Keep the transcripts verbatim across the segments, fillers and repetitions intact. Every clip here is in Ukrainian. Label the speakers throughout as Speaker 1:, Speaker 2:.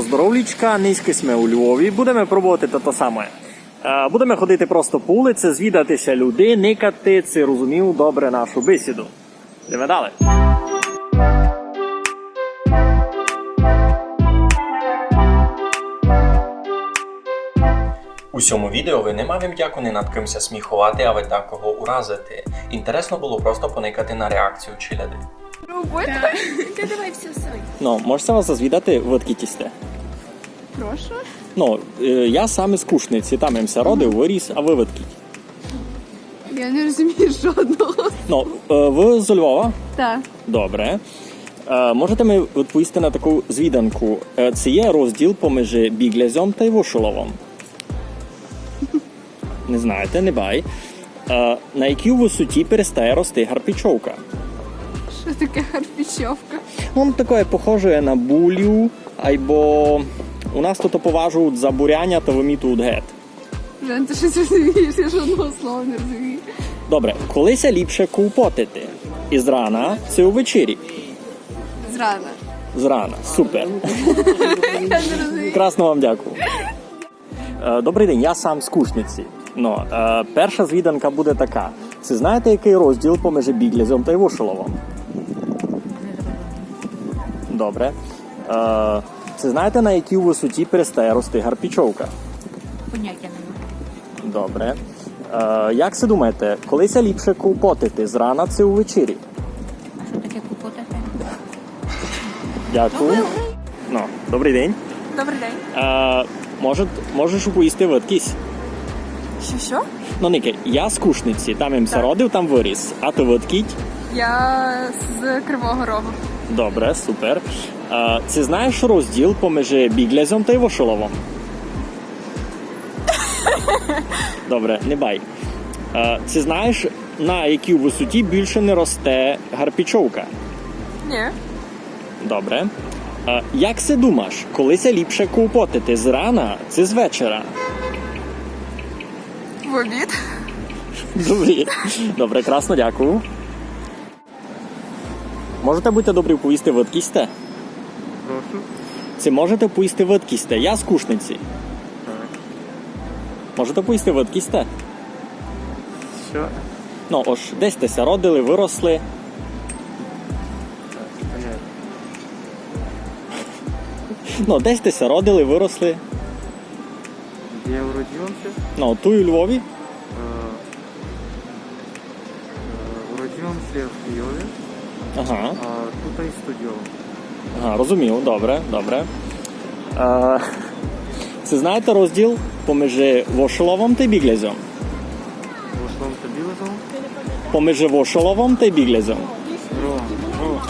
Speaker 1: здоровлічка, низьки сме у Львові. Будемо пробувати те саме. Будемо ходити просто по вулиці, звідатися людей, никати, це розумів добре нашу бесіду. Йдемо далі. У цьому відео ви не мав дяку не над кимся сміхувати, а ви так кого уразити. Інтересно було просто поникати на реакцію челяди.
Speaker 2: Робота? Ти давай все сой.
Speaker 1: Ну, можете вас звідати, ви відкітісте?
Speaker 2: Прошу?
Speaker 1: Ну, я сам із Кушниці, там ямся родив, виріс, а ви відкіть?
Speaker 2: Я не розумію жодного.
Speaker 1: Ну, ви з Львова?
Speaker 2: Так.
Speaker 1: Добре. Можете ми відповісти на таку звіданку? Це є розділ поміж Біглязем та Івушоловом? Не знаєте, не бай. На якій висоті перестає рости гарпічовка?
Speaker 2: Що таке гарпічовка?
Speaker 1: Он таке похоже на булю, або у нас тут поважують за буряння та вимітують гет.
Speaker 2: Жан, ти щось розумієш? Я жодного слова не розумію.
Speaker 1: Добре, колися ліпше ковпотити? Із рана це увечері?
Speaker 2: Зрана.
Speaker 1: Зрана, супер.
Speaker 2: Я не розумію.
Speaker 1: Красно вам дякую. Добрий день, я сам з Кушниці. Ну, перша звіданка буде така. Це знаєте, який розділ поміж Біглязем та Івушоловом? Добре. Це знаєте, на якій висоті перестає рости гарпічовка?
Speaker 2: Поняття немає.
Speaker 1: Добре. Як це думаєте, колися ліпше ковпотити? Зрана це увечері?
Speaker 2: А що таке купотати?
Speaker 1: Дякую. Ну, добрий день.
Speaker 2: Добрий день.
Speaker 1: А, може, можеш поїсти видкість?
Speaker 2: Що, що?
Speaker 1: Ну, Нике, я з Кушниці, там їм
Speaker 2: Так.
Speaker 1: родив, там виріс. А ти видкіть?
Speaker 2: Я з Кривого Рогу.
Speaker 1: Добре, супер. А, це знаєш розділ поміж Біглязем та Івушоловом? Добре, не бай. А, це знаєш, на якій висоті більше не росте гарпічовка?
Speaker 2: Ні.
Speaker 1: Добре. А, як це думаєш, колися ліпше ковпотити? Зрана чи з вечора?
Speaker 2: В обід.
Speaker 1: Добре, добре, красно, дякую. Можете бути добрі повісти видкісте?
Speaker 3: Прошу.
Speaker 1: Це можете повісти видкісте? Я з Кушниці.
Speaker 3: Так.
Speaker 1: Можете повісти видкісте?
Speaker 3: Що?
Speaker 1: Ну, ось, десь теся родили, виросли.
Speaker 3: Так, понятно.
Speaker 1: Ну, десь теся родили, виросли.
Speaker 3: Где я уродился?
Speaker 1: Ну, ту і у Львові.
Speaker 3: Э, э, уродился в Киеве,
Speaker 1: Ага,
Speaker 3: а тут и студіо.
Speaker 1: ага, розумів, добре, добре. А, це знаєте розділ поміж Вошоловом та Біглязем?
Speaker 3: Вошлом Табилозом.
Speaker 1: Поміж Вошоловом та Біглязем.
Speaker 3: Ро. Ро.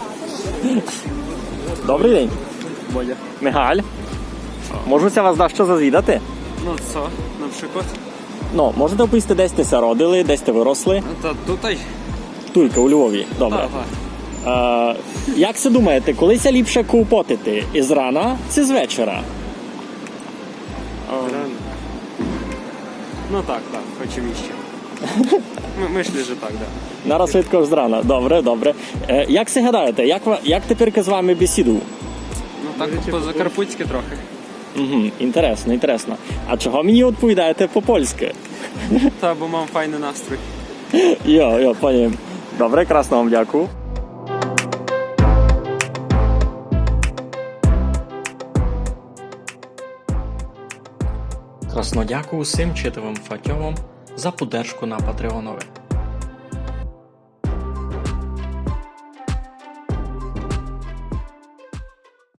Speaker 1: Добрий день.
Speaker 3: Бодя.
Speaker 1: Мигаль. Можуся вас дещо зазвідати?
Speaker 4: Ну co, na przykład?
Speaker 1: Ну, можете оповісти, десь теся родили, десь те виросли?
Speaker 4: No to tutaj?
Speaker 1: Тільки у Львові. Добре.
Speaker 4: Ага.
Speaker 1: Е, як це думаєте, колися ліпше ковпотити? Із рана чи з вечора?
Speaker 3: Рано.
Speaker 4: No tak, tak, oczywiście. My, myślę, że tak, tak.
Speaker 1: Нараз швидко з рана. Добре, добре. Е, як це гадаєте, як, ва- як тепер з вами бесіду?
Speaker 4: No tak po zakarpuckie trochę.
Speaker 1: Угу, інтересно, інтересно. А чого мені відповідаєте по-польськи?
Speaker 4: Ta, bo mam fajny nastrój.
Speaker 1: Йо, йо, пані. Добре, красно вам дякую. Красно дякую всім читовим фатьовам за поддержку на Патреонові.